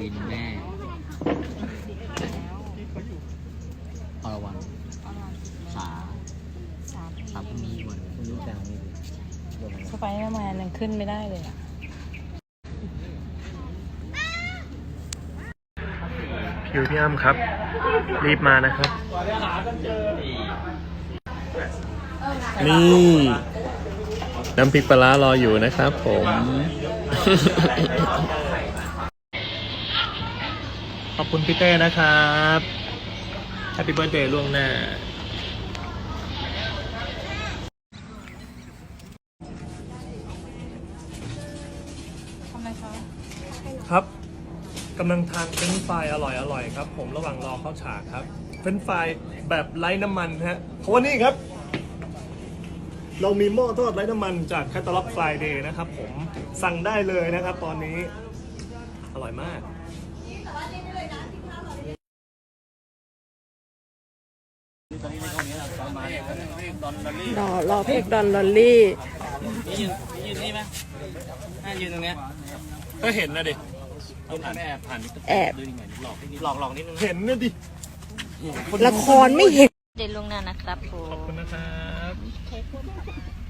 นแม่อรวรรณสาพมีวันพรุ่งนี้แต่งมีสไปเดอร์แมนยังขึ้นไม่ได้เลยอ่ะคิวพี่อ้ำครับ รีบมานะครับ นี่น้ำพริกปลาร้ารออยู่นะครับผม ขอบคุณพี่เต้นะครับแฮปปี้เบิร์ธเดย์ล่วงหน้าทำไมคะครับกำลังทานเฟรนช์ฟรายอร่อยๆครับผมระหว่างรอเข้าฉากครับเฟรนช์ฟรายแบบไร้น้ำมันฮะเพราะว่านี่ครับ เรามีหม้อทอดไร้น้ำมันจากแคตตาล็อกไฟเดย์นะครับผมสั่งได้เลยนะครับตอนนี้อร่อยมากรอเพกดอนลอลลี่ยืนนี่ไหมยืนตรงเนี้ยก็เห็นนะดิต้องผ่านแอบผ่านแอบดูยังไงหลอกนิดนึงเห็นนะดิละครไม่เห็นเดินลงหน้านะครับผขอบมคุณนะครับ